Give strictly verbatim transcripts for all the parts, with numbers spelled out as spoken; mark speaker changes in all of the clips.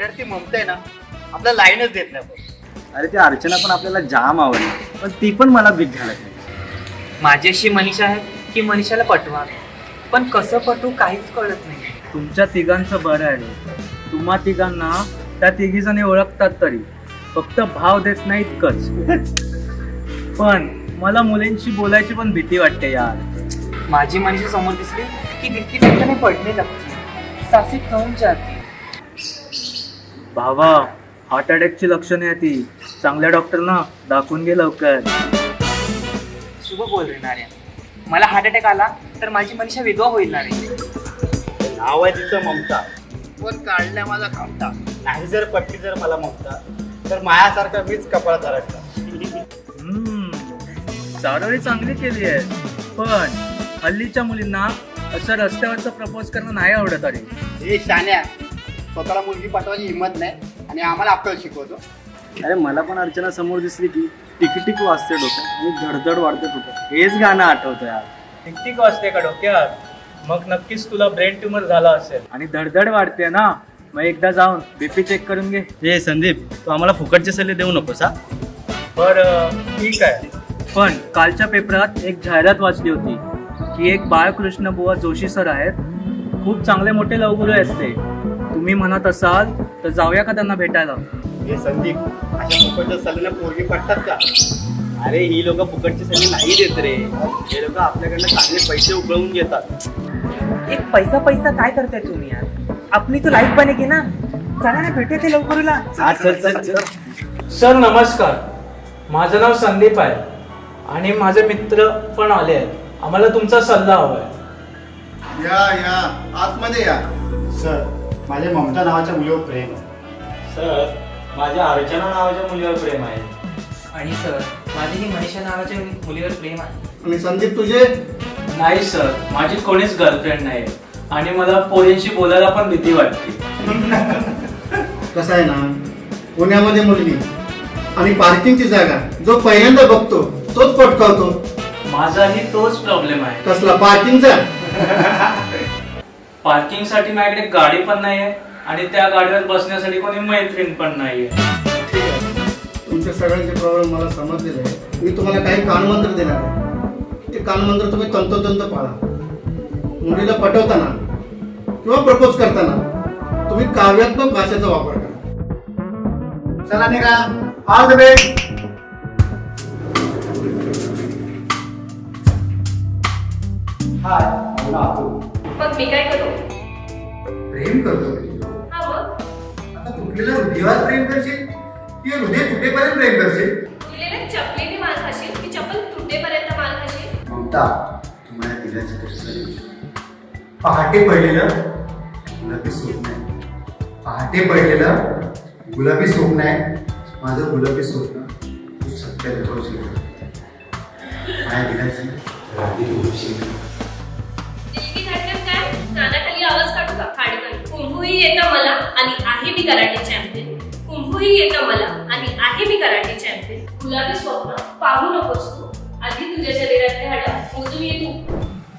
Speaker 1: अरे ती ममता आहे ना आपल्याला लाईनच देत नाही बघ.
Speaker 2: अरे ती अर्चना पण आपल्याला जाम आवडली, पण ती पण मला बिग घालत नाही.
Speaker 3: माझी अशी मनीषा आहे की मनीषाला पटवा, पण कसं पटवू काहीच कळत नाही.
Speaker 2: तुमच्या तिघांचं बरं आहे, तुम्हा तिघांना त्या तिघी जणी ओळखतात तरी फक्त भाव देत नाही इतकंच. पण मला मुलींशी बोलायची पण भीती वाटते यार.
Speaker 3: माझी मनीषा समोर दिसली की दिसती ठिकाणी पडणे लागते, सासी खाऊन जाते.
Speaker 2: भावा, हार्ट अटॅकची लक्षणे आहे ती. चांगल्या डॉक्टरना दाखवून घे लवकर.
Speaker 3: शुभ बोल रे नाऱ्या, मला हार्ट अटॅक आला तर माझी मनीषा विधवा होईल ना रे.
Speaker 1: नाव आहे तिचं ममता, पण काढल्या माझा खामटा. नाही जर पटली जर मला ममता, तर मायासारखा मीच कपाळ धरटला.
Speaker 2: हम्म, चारोळी चांगली केली आहे, पण हल्लीच्या मुलींना असं रस्त्यावरचं प्रपोज करणं नाही आवडत. अरे
Speaker 1: हे शाण्या, स्वतःला मुलगी पाठवायची हिंमत नाही आणि आम्हाला अक्कल शिकवतो.
Speaker 2: अरे मला पण अर्चना समोर दिसली की टिकटिक वाजते डोक्यात आणि धडधड वाढते डोक्यात. हेच गाणं आठवतं यार.
Speaker 4: टिकटिक वाजते का डोक्यात? मग नक्कीच तुला ब्रेन ट्यूमर झाला असेल.
Speaker 2: आणि धडधड वाढते ना, मग एकदा जाऊन बीपी चेक करून घे.
Speaker 1: हे संदीप, तू आम्हाला फुकटचे सल्ले देऊ नकोस हा.
Speaker 4: बरं ठीक आहे.
Speaker 2: पण कालच्या पेपरात एक जाहिरात वाचली होती की एक बाळकृष्ण बुवा जोशी सर आहेत, खूप चांगले मोठे लवगुरू आहेत ते. तुम्ही म्हणत असाल तर जाऊया का त्यांना भेटायला?
Speaker 1: हे संदीप, अशा फुकटच्या सल्ल्याने पोरगी पटतात का? अरे ही लोक फुकटचे सल्ले नाही देत रे. हे लोक आपल्याकडनं चांगले पैसे उकळवून घेतात.
Speaker 3: एक पैसा पैसा काय करताय तुम्ही यार? आपली तो लाईफ बनेगी ना. चला ना भेटूया ते लवकरला.
Speaker 1: हा चल चल चल.
Speaker 4: सर नमस्कार, माझं नाव संदीप आहे आणि माझे मित्र पण आले आहेत. आम्हाला तुमचा सल्ला हवा आहे.
Speaker 1: या या आतमध्ये या. सर, माझ्या ममता नावाच्या मुलीवर प्रेम आहे.
Speaker 2: सर, माझ्या अर्चना नावाच्या मुलीवर प्रेम आहे.
Speaker 3: आणि सर, माझी ही मनीषा नावाच्या मुलीवर प्रेम आहे.
Speaker 1: आणि संदीप तुझे?
Speaker 4: नाही सर, माझी कोणीच गर्लफ्रेंड नाही आणि मला पोरींशी बोलायला पण भीती वाटते.
Speaker 1: कसं आहे ना, पुण्यामध्ये मुलगी आणि पार्किंगची जागा जो पहिल्यांदा बघतो तोच पटकावतो.
Speaker 4: माझाही तोच प्रॉब्लेम आहे.
Speaker 1: कसला पार्किंगचा?
Speaker 4: पार्किंग साठी माझ्याकडे गाडी पण नाहीये आणि त्या गाडीवर बसण्यासाठी कोणी मैत्रीण पण नाहीये.
Speaker 1: तुमच्या सगळ्यांचे प्रॉब्लेम मला समजलेले आहे. मी तुम्हाला काही कानमंत्र देणार आहे. ते कानमंत्र तुम्ही तंतोतंत पाळा. मुलीला पटवताना किंवा प्रपोज करताना तुम्ही काव्यात्मक भाषेचा वापर करा. चला निघा. All the best. हाय,
Speaker 5: मग मी काय करू?
Speaker 1: प्रेम करतो मी.
Speaker 5: हा मग
Speaker 1: आता तुटलेल्या हृदयावर प्रेम करशील की हृदय तुटेपर्यंत प्रेम करशील?
Speaker 5: दिलेल्या चपलीने मार खाशील की चप्पल तुटेपर्यंत मार खाशील?
Speaker 1: ममता, तुम्हाला दिल्याचं कसं पहाटे पडलेलं गुलाबी स्वप्न आहे. पहाटे पडलेलं गुलाबी स्वप्न आहे. माझं गुलाबी स्वप्न तू सत्य दाखवशील. माझ्या दिल्याची राधी होशील.
Speaker 5: दिलगी धडकन काय? कानाखाली आवाज काढू का? खाडकन. कुंभूही येतं मला आणि आहे मी कराटे चॅम्पियन. कुंभूही येतं मला आणि आहे मी कराटे चॅम्पियन. गुलाबी स्वप्न पाहू नकोस तू. आधी तुझ्या शरीरातले हाडं मोजून ये तू.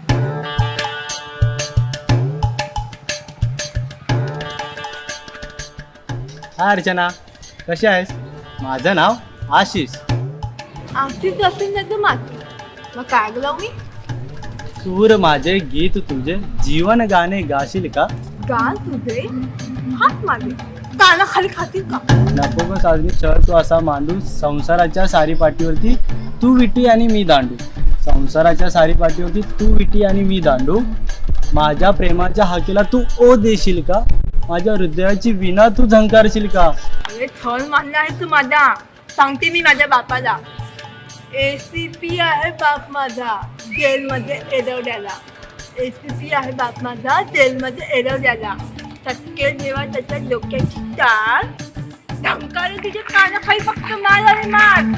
Speaker 2: हा अर्चना, कशी आहेस? माझं नाव आशिष.
Speaker 6: आमचीच असेल ना तू माती, मग काय गलाव मी?
Speaker 2: सूर माझे गीत तुझे जीवन गाणे गाशील का?
Speaker 6: गाल तुझे हात मागे काना खाली खातील का?
Speaker 2: नको ग साजनी चढ तू असा मांडू. संसाराच्या सारी पाठीवरती तू विटी आणि मी दांडू. संसाराच्या सारी पाठीवरती तू विटी आणि मी दांडू. माझ्या प्रेमाच्या हाकेला तू ओ देशील का? माझ्या हृदयाची विना तू झंकारशील का?
Speaker 6: अरे थळ मानला आहे तू माझा. सांगते मी माझ्या बापाला. एसीपी आहे बाप माझा जेलमध्ये एरवड्याला. एसीपी आहे बाप माझा जेलमध्ये एरवड्याला. टक्के जेव्हा त्याच्या डोक्याची टाळ धंकार तुझ्या कानाखाली फक्त मार आणि मार.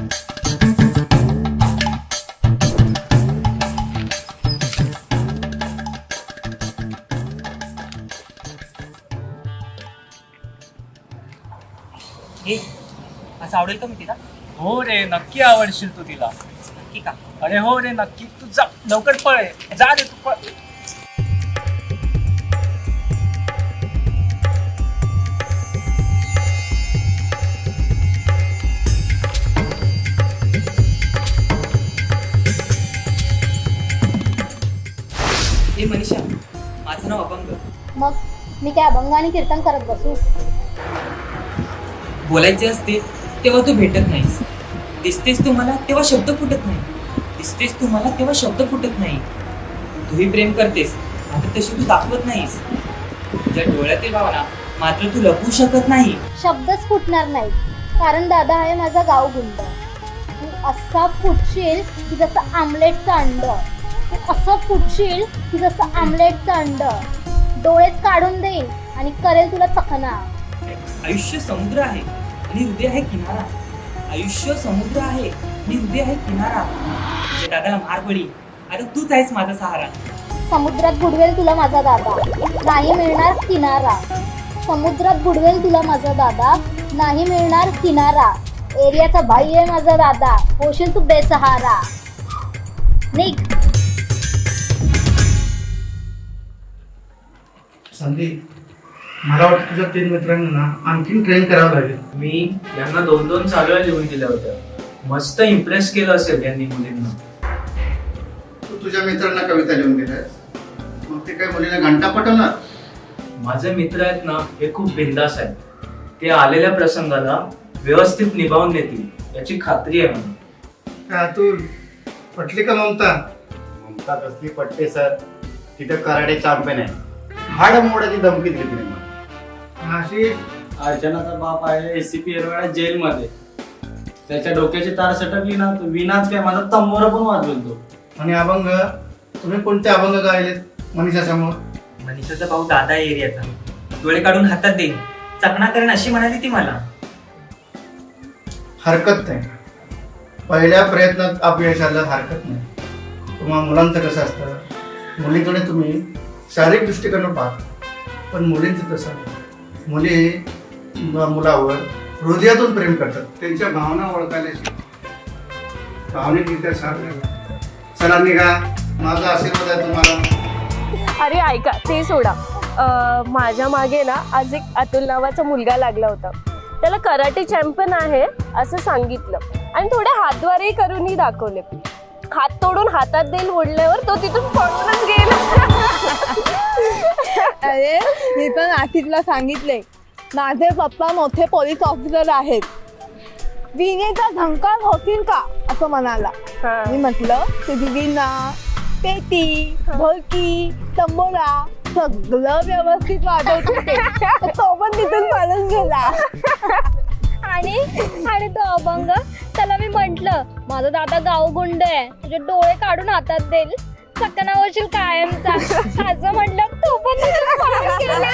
Speaker 3: हे असं आवडेल का मी तिला?
Speaker 4: हो रे, नक्की आवडशील तू तिला.
Speaker 3: नक्की का?
Speaker 4: अरे हो रे, नक्की. तू जा लवकर, पळ रे. जा रे तू, पळ.
Speaker 3: हे मनीषा, माझं नाव अभंग.
Speaker 7: मग मी काय अभंग आणि कीर्तन करत बसू?
Speaker 3: बोलायचे असते तेव्हा तू भेटत नाहीस, दिसतेस तू मला तेव्हा शब्द फुटत नाही, दिसतेस तू मला तेव्हा शब्द फुटत नाही. तूही प्रेम करतेस मात्र तशी तू दाखवत नाहीस. तुझ्या डोळ्यातील भावना मात्र तू लपवू शकत नाही.
Speaker 7: शब्दच फुटणार नाही, कारण दादा आहे माझा गावगुंड. तू असा फुटशील की जसं आमलेटचं अंड, तू असं फुटशील की जसं आमलेटचं अंड. डोळेच काढून देईल आणि करेल तुला चकना.
Speaker 3: आयुष्य समुद्र आहे आणि हृदय आहे किनारा. आयुष्य समुद्र आहे आणि हृदय आहे किनारा. तुझ्या दादाला मार पडी, आता तूच आहेस माझा सहारा.
Speaker 7: समुद्रात बुडवेल तुला माझा दादा, नाही मिळणार किनारा. समुद्रात बुडवेल तुला माझा दादा, नाही मिळणार किनारा. एरियाचा भाई आहे माझा दादा, होशील तू बेसहारा. निघ.
Speaker 1: संदीप, मला वाटतं तुझ्या तीन मित्रांना ना आणखीन ट्रेन करावं लागेल.
Speaker 4: मी यांना दोन दोन चालव्या लिहून दिल्या होत्या. मस्त इम्प्रेस केलं असेल यांनी मुलींना.
Speaker 1: तू तुझ्या मित्रांना कविता लिहून दिल्यास, मग ते काय मुलीला घंटा पटवणार?
Speaker 4: माझे मित्र आहेत ना, हे खूप बिंदास आहेत. ते आलेल्या प्रसंगाला व्यवस्थित निभावून नेतील याची खात्री आहे मला.
Speaker 1: काय अतुल, पटली का ममता?
Speaker 8: ममता कसली पट्टे सर, तिथं कराडे चॅम्पियन आहे. हाड मोडाची धमकी दिली तिने मला.
Speaker 1: आशिष,
Speaker 2: अर्चनाचा बाप आहे एसीपी एरवाडा जेलमध्ये. त्याच्या डोक्याची तार सटकली ना, तो विनाच काय माझा तंबोरा पण वाजवेल तो.
Speaker 1: आणि अभंग, तुम्ही कोणते अभंग गायलेत मनीषा समोर?
Speaker 3: मनीषाचा भाऊ दादा आहे एरियाचा, डोळे काढून हातात देईन, चकना करेन अशी म्हणाली ती मला.
Speaker 1: हरकत नाही, पहिल्या प्रयत्नात अपयश आलं हरकत नाही. तुम्हाला मुलांचं कसं असतं, मुलीकडे तुम्ही शारीरिक दृष्टिकोन पाहता, पण मुलींचं तसं नाही. मुली म- मुलावर हृदयातून प्रेम करतात, त्यांच्या भावना ओळखायला शिकतात, भावनिकरित्या साथ द्यायला. चला निघा, माझा आशीर्वाद आहे तुम्हाला.
Speaker 5: अरे ऐका, ते सोडा. अं, माझ्या मागे ना आज एक अतुल नावाचा मुलगा लागला होता. त्याला कराटे चॅम्पियन आहे असं सांगितलं आणि थोडे हातवारेही करूनही दाखवले. हात तोडून हातात देईल ओढल्यावर तो तिथून पळूनच गेला.
Speaker 6: अरे मी पण आशिषला सांगितले, माझे पप्पा मोठे पोलीस ऑफिसर आहेत, विनेचा झंकार होतील का असं म्हणाला.
Speaker 5: हा.
Speaker 6: मी म्हटलं तुझी विना, पेटी, ढोलकी, तंबोरा सगळं व्यवस्थित वाजवत होते. तर तो पण तिथून पळून गेला.
Speaker 7: आणि आणि तो अभंग, त्याला मी म्हंटल माझा दादा गावगुंड आहे, तुझे डोळे काढून हातात देईल, चकना होशील कायमचा असं म्हटलं. तो पण तिथून पळून गेला.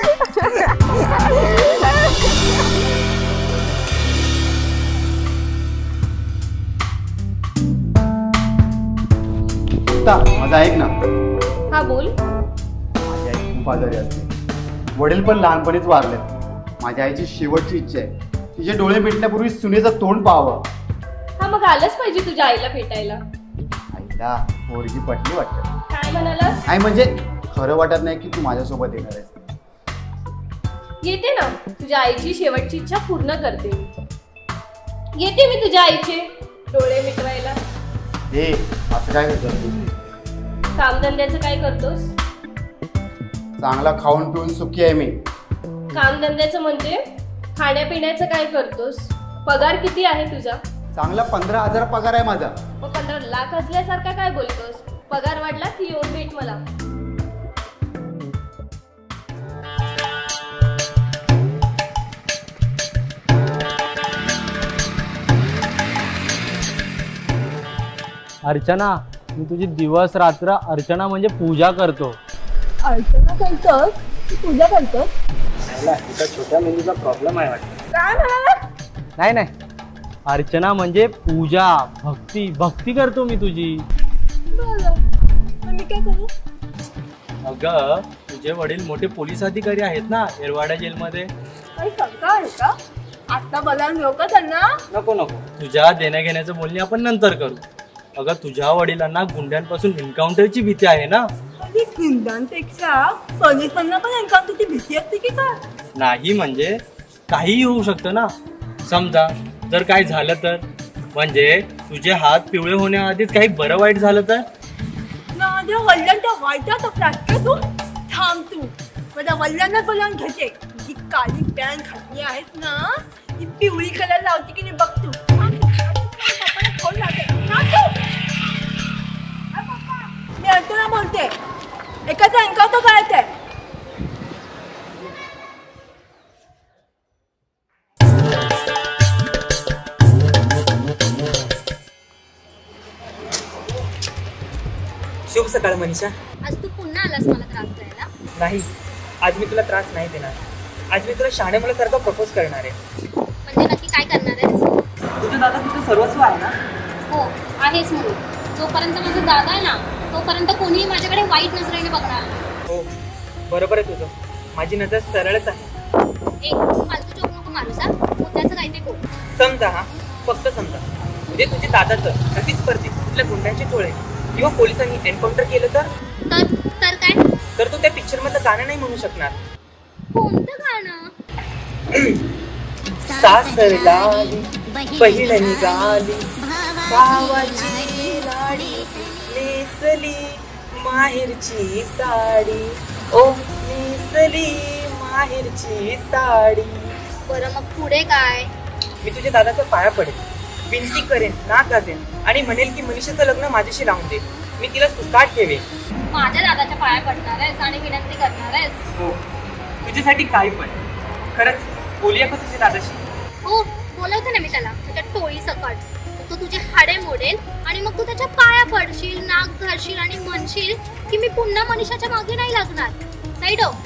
Speaker 8: माझं ऐक ना,
Speaker 5: हा बोल.
Speaker 8: माझी आई खूप आजारी असते, वडील पण लहानपणीच वारलेत. माझ्या आईची शेवटची इच्छा आहे तिचे डोळे मिटण्यापूर्वी सुनेचं तोंड पाहावं.
Speaker 5: हा मग आलंच पाहिजे तुझ्या आईला भेटायला.
Speaker 8: आईला पोरगी पटली वाटतं.
Speaker 5: काय म्हणालास?
Speaker 8: आई म्हणजे खरं वाटत नाही की तू माझ्यासोबत येणार आहेस.
Speaker 5: येते ना, तुझ्या आईची शेवटची इच्छा पूर्ण करते. येते मी तुझ्या आईचे डोळे मिटवायला.
Speaker 8: हे असं काय करतो तू?
Speaker 5: कामधंद्याचं काय करतोस?
Speaker 8: चांगला खाऊन पिऊन सुखी आहे मी.
Speaker 5: कामधंद्याचं म्हणजे खाण्यापिण्याचं काय करतोस? पगार किती आहे तुझा?
Speaker 8: चांगला पंधरा हजार पगार आहे माझा.
Speaker 5: मग पंधरा लाख असल्यासारखा काय बोलतोस? पगार वाढला की येऊन भेट मला.
Speaker 2: अर्चना, मी तुझी दिवस रात्र अर्चना म्हणजे पूजा करतो.
Speaker 6: अर्चना करतोस, पूजा करतोस?
Speaker 2: छोट्या मेंदूचा प्रॉब्लेम आहे वाटतं.
Speaker 6: काय म्हणाला?
Speaker 2: नाही नाही, अर्चना म्हणजे पूजा, भक्ती भक्ती करतो मी तुझी.
Speaker 6: बरं, मग मी काय करू?
Speaker 2: अगं, तुझे वडील मोठे पोलीस अधिकारी आहेत ना एरवाडा जेलमध्ये.
Speaker 6: काही शंका आहे का? आता बोलायला नको का त्यांना?
Speaker 2: नको नको, तुझ्या देण्या घेण्याचं बोलणी आपण नंतर करू. अगं, तुझ्या वडिलांना गुंड्यांपासून एन्काउंटरची भीती आहे ना.
Speaker 6: कधी गुंडांपेक्षा पोलिसांना पण एन्काउंटरची भीती असते की काय?
Speaker 2: नाही म्हणजे काहीही होऊ शकतं ना. समजा जर काय झालं तर, म्हणजे तुझे हात पिवळे होण्याआधीच काही बरं वाईट झालं तर.
Speaker 6: ना माझ्या वडिलांच्या वाईटात असला तू थांब तू माझ्या वडिलांना बोलावून घेते जी काळी पॅन्ट घातली आहेस ना ती पिवळी कलर लावते की नाही बघ तू पप्पाला फोन लावते. थांब तू. अरे पप्पा, मी अर्चना बोलते. एकाचा एन्काउंटर करायचंय.
Speaker 3: शुभ सकाळ मनीषा.
Speaker 7: आज तू पुन्हा आलास मला त्रास द्यायला.
Speaker 3: नाही, आज मी तुला त्रास नाही देणार. आज मी तुला शहाणे मुलासारखं प्रपोज करणार आहे.
Speaker 7: म्हणजे नक्की काय करणार आहेस?
Speaker 3: तुझा दादा तुझं सर्वस्व आहे ना.
Speaker 7: हो आहेस म्हणून. जोपर्यंत माझा दादा आहे ना तोपर्यंत कोणीही माझ्याकडे वाईट नजरेने बघणार नाही.
Speaker 3: हो बरोबर आहे तुझं. माझी नजर सरळच आहे.
Speaker 7: एक फालतू जोक नको मारू सा. मुद्द्याचं काही ते बोल.
Speaker 3: समजा हा, फक्त समजा म्हणजे तुझे दादाचं प्रतिस्पर्धी कुठल्या गुंड्यांचे टोळे किंवा पोलिसांनी एन्काउंटर केलं तर
Speaker 7: तर तर काय?
Speaker 3: तर तू त्या पिक्चर मधलं गाणं नाही म्हणू शकणार.
Speaker 7: कोणतं गाणं?
Speaker 3: सासरला बहीण निघाली भावाची लाडी नेसली माहेरची साडी ओ नेसली माहेरची साडी.
Speaker 7: बरं मग पुढे काय?
Speaker 3: मी तुझ्या दादाच्या पाया पडेल, विनती करेन, नाक घासेन आणि म्हणेल की मनीषाचं लग्न माझ्याशी लावून दे. मी तिला सुखात ठेवेन.
Speaker 7: माझ्या दादाच्या पाया पडणार आहेस आणि विनंती करणार आहेस?
Speaker 3: हो, तुझ्यासाठी काही पण. खरंच बोलूया का तुझ्या दादाशी?
Speaker 7: हो बोलवते ना मी त्याला त्याच्या टोळी सकट. तो तुझे हाडे मोडेल आणि मग तू त्याच्या पाया पडशील, नाक घालशील आणि म्हणशील की मी पुन्हा मनीषाच्या मागे नाही लागणार. साईड हो.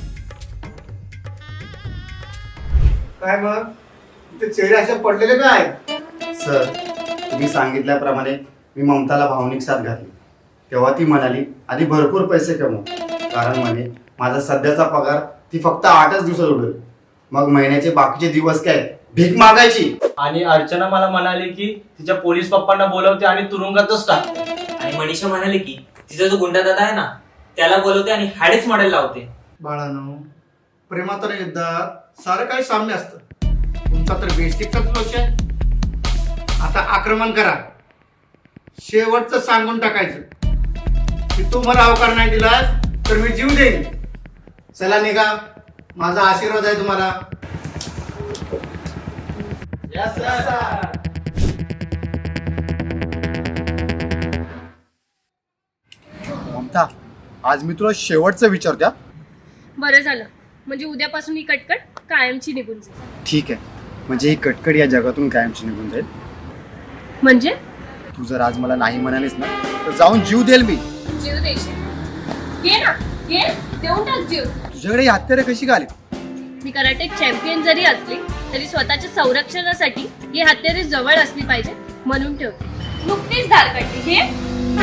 Speaker 1: काय मग ते चेहरे असे पडलेले काय?
Speaker 8: सर, तुम्ही सांगितल्याप्रमाणे मी ममताला भावनिक साथ घातली. तेव्हा ती म्हणाली आधी भरपूर पैसे कमव, कारण म्हणे माझा सध्याचा पगार ती फक्त आठच दिवसात उडेल. मग महिन्याचे बाकीचे दिवस काय भीक मागायची.
Speaker 2: आणि अर्चना मला म्हणाली की तिच्या पोलीस पप्पांना बोलवते आणि तुरुंगातच टाकते.
Speaker 3: आणि मनीषा म्हणाले की तिचा जो गुंडा दादा आहे ना त्याला बोलवते आणि हाडेच मॉडेल लावते.
Speaker 1: बाळानो, प्रेमात आणि युद्धात सारं काही साम्य असतं. तुमचा तर बेसिकच दोष आहे. आता आक्रमण करा. शेवटचं सांगून टाकायचं की तू मला अवकार नाही दिलास तर मी जीव देईन. चला निघा. माझा आशीर्वाद आहे तुम्हाला.
Speaker 8: ममता, आज मी तुला शेवटचं विचारत्या.
Speaker 5: बरं झालं, म्हणजे उद्यापासून ही कटकट कायमची निघून जाईल.
Speaker 8: ठीक आहे, म्हणजे ही कटकट या जगातून कायमची निघून जाईल.
Speaker 5: म्हणजे
Speaker 8: तू जर आज मला नाही म्हणालीस ना तर जाऊन जीव देईल मी.
Speaker 5: जीव देशील? घे ना, घे, देऊन टाक जीव.
Speaker 8: तुझ्याकडे ही हत्यारे कशी का आली?
Speaker 5: मी कराटे चॅम्पियन जरी असली तरी स्वतःच्या संरक्षणासाठी ही हत्यारे जवळ असली पाहिजे म्हणून ठेवते. नुकतीच धार काढली. घे.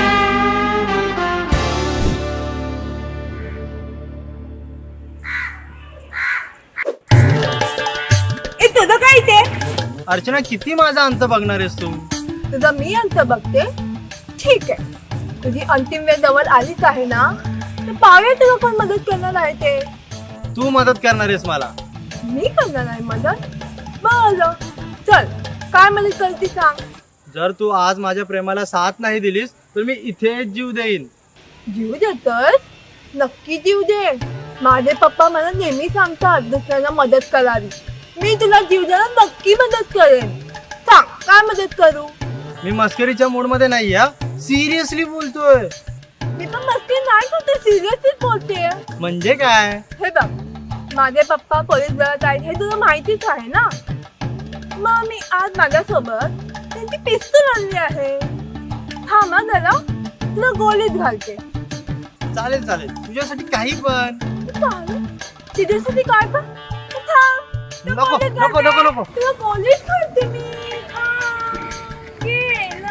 Speaker 6: ए तुझं काय ते?
Speaker 2: अर्चना, किती माझा अंत बघणार आहेस तू?
Speaker 6: तुझं मी अंत बघते. ठीक आहे, तुझी अंतिम वेळ जवळ आलीच आहे ना तर पाहूया तुला कोण मदत करणार आहे ते.
Speaker 2: तू मदत करणार आहेस मला?
Speaker 6: मी करणार आहे मदत. बरं चल, काय मदत करते सांग.
Speaker 2: जर तू आज माझ्या प्रेमाला साथ नाही दिलीस तर मी इथे जीव देईन.
Speaker 6: जीव देतोय? नक्की जीव दे. माझे पप्पा मला नेहमी सांगतात दुसऱ्यांना मदत करावी. मी तुला जीव द्यायला नक्की मदत करेन. सांग काय मदत करू.
Speaker 2: मी मस्करीच्या मूड मध्ये नाही. हा, सिरियसली बोलतोय.
Speaker 6: मी पण मस्ती नाही करते, सिरियसली बोलते.
Speaker 2: म्हणजे काय?
Speaker 6: हे बघ, माझे पप्पा पोलीस दलात आहेत हे तुला माहितीच आहे ना. मग मी आज माझ्यासोबत त्यांची पिस्तूल आणली आहे. थांबा जरा, तुला गोळीत घालते.
Speaker 2: चालेल चालेल, तुझ्यासाठी काही पण.
Speaker 6: तिच्यासाठी काय पण? थांब, तुला
Speaker 2: नको
Speaker 6: गोळीत
Speaker 2: नको
Speaker 6: घालते.
Speaker 2: नको नको.
Speaker 6: तुला गोळीत घालते मी. थांब. गेला.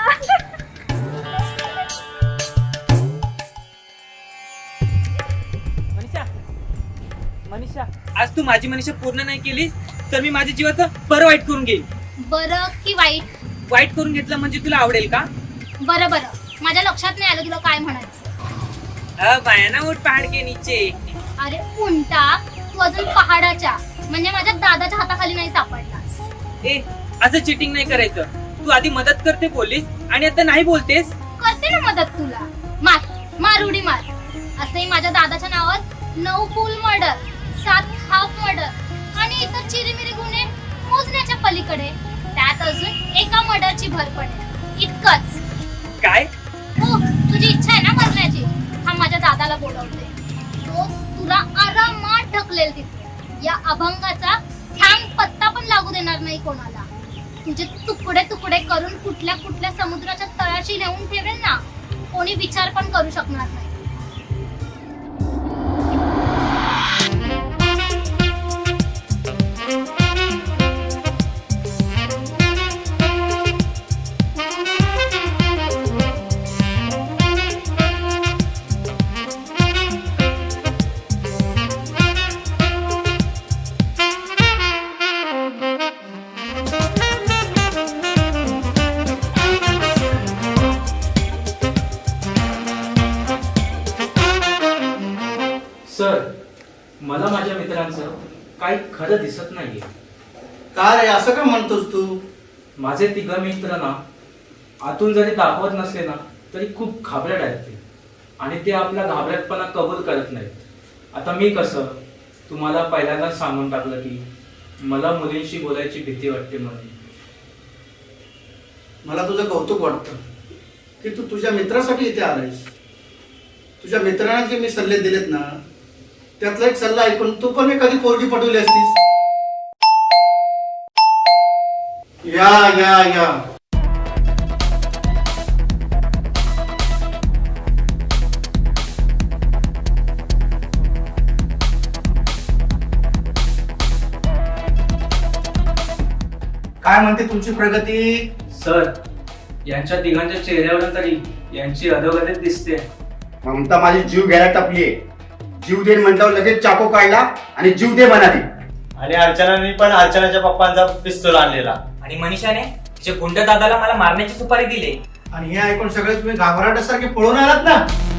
Speaker 3: मनीषा, मनीषा, आज तू माझी मनीषा पूर्ण नाही केलीस तर मी माझ्या जीवाचं बरं वाईट करून घेईन.
Speaker 7: बरं की वाईट?
Speaker 3: वाईट करून घेतलं म्हणजे तुला आवडेल का?
Speaker 7: बरं बरं, माझ्या लक्षात नाही आलं तुला काय म्हणायचं.
Speaker 3: अ बायाना उठ पहाड के नीचे.
Speaker 7: अरे उंटा, तू अजून पहाडाच्या म्हणजे माझ्या दादाच्या हाताखाली नाही सापडलास.
Speaker 3: ए, असं चिटिंग नाही करायचं. तू आधी मदत करते पोलीस आणि आता नाही बोलतेस.
Speaker 7: करते ना मदत तुला. मार मार उडी मार. असंही माझ्या दादाच्या नावात नऊ फुल मर्डर, सात हाफ मर्डर आणि इतर चिरीमिरी गुन्हे मोजण्याच्या पलीकडे. त्यात अजून एका मर्डरची भर पडेल. इतकंच.
Speaker 3: काय?
Speaker 7: हो, तुझी इच्छा आहे ना मरण्याची? हा माझ्या दादाला बोलवते. तो तुला आरामात ढकलेल तिथे. या अभंगाचा थांब पत्ता पण लागू देणार नाही कोणाला. तुझे तुकडे तुकडे करून कुठल्या कुठल्या समुद्राच्या तळाशी नेऊन ठेवेल ना, कोणी विचार पण करू शकणार नाही.
Speaker 4: सर, मला माझ्या मित्रांचं काही खरं दिसत नाहीये.
Speaker 1: का रे असं का म्हणतोस तू?
Speaker 4: माझे तिघ मित्र ना आतून जरी दाखवत नसले ना तरी खूप घाबरट आहेत ते, आणि ते आपला घाबरटपणा कबूल करत नाहीत. आता मी कसं तुम्हाला पहिल्यांदाच सांगून टाकलं की मला मुलींशी बोलायची भीती वाटते म्हणून.
Speaker 1: मला तुझं कौतुक वाटतं की तू तुझ्या मित्रासाठी इथे आलायस. तुझ्या मित्रांना जे मी सल्ले दिलेत ना, त्यातला एक सल्ला ऐकून तू पण मी कधी पोरगी पटवली असतीस. या या या काय म्हणते तुमची प्रगती?
Speaker 4: सर, यांच्या तिघांच्या चेहऱ्यावर तरी यांची अधोगतीच दिसते.
Speaker 8: ममता माझी जीव घ्यायला टपलीये. जीव दे म्हटल्यावर लगेच चाकू काढला आणि जीव दे म्हणाली.
Speaker 2: आणि अर्चनाने पण अर्चनाच्या पप्पांचा पिस्तूल आणलेला.
Speaker 3: आणि मनीषाने तिच्या गुंड दादाला मला मारण्याची सुपारी दिली.
Speaker 1: आणि हे ऐकून सगळे तुम्ही घाबराटासारखे पळून आलात ना.